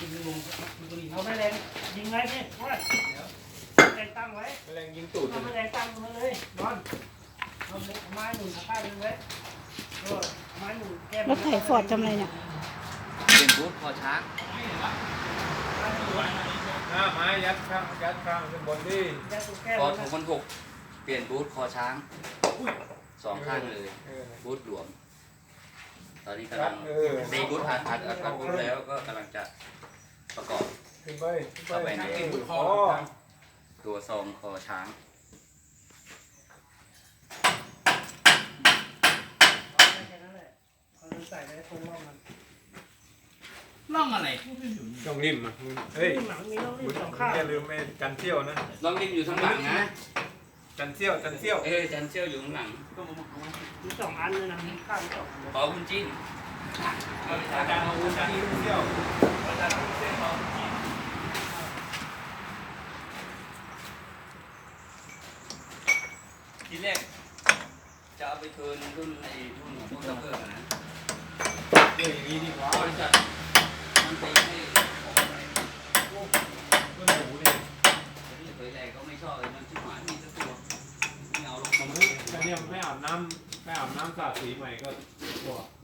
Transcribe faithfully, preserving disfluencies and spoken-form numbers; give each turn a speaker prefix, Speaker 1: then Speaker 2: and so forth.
Speaker 1: เอาแม่แรงยิงไว้พี่ว่าแรงตั้งไว้
Speaker 2: แมลงยิงตูด
Speaker 1: เอาแม่แรงตั้งมาเลยนอนเอาไม้หนุนข้างนึงไว้ไม้หนุนแก้ม
Speaker 3: รถไถฟอร์ดทำอะไรเนี่ย
Speaker 4: เป็นบูธคอช้าง
Speaker 2: หน้าไม้ยัดข้างยัดข้างขึ้นบนดิ
Speaker 4: คอถูกคนหกเปลี่ยนบูธคอช้างสองข้างเลยบูธหลวมตอนนี้กำลังตีบูธอัดอัดอัดอัดบูธแล้วก็กำลังจะประกอบ
Speaker 2: ขึ้นไปขึ้นไป
Speaker 4: เข้าไปใน
Speaker 2: คอ
Speaker 4: ตัวซองคอช้าง
Speaker 1: ใส่ไว้ตรงร่องมัน
Speaker 5: ร่องอะไร
Speaker 2: ช่องริมอ่ะเฮ้ย
Speaker 1: หลังมีร่อง
Speaker 2: มึ
Speaker 1: นี่
Speaker 2: ง
Speaker 1: สองข้าง
Speaker 2: อย่าลืมไอ้กันเที่ยวนะ
Speaker 4: ลองดินอยู่ข้างหลังนะ
Speaker 2: กันเที่ยวกันเที่ยว
Speaker 4: เออจันเชี่ยวอยู่ข้างหลัง
Speaker 1: มีสองอันเลยนะข้างสอง
Speaker 4: ขอคุณจิ้น
Speaker 2: อาจารย์เอาวุ้นกันเที่ยว
Speaker 4: ทีแรกจะเอาไปเทิร์นรุ่นไอ้รุ่นรุ่นซัพเปอร์นะ
Speaker 2: เดี๋ยวอย่างนี้ดีกว่า
Speaker 4: บริษัทมันไปให้ออกไป
Speaker 2: เพื่อนหมูเนี่ย
Speaker 4: แต่ที่เผยแรกก็ไม่ชอบเลยมันชิบหายมีสักตัวไม่เอาลงมา
Speaker 2: แต่เนี่ยไม่อาบน้ำไม่อาบน้ำสระสีใหม่ก็ตัว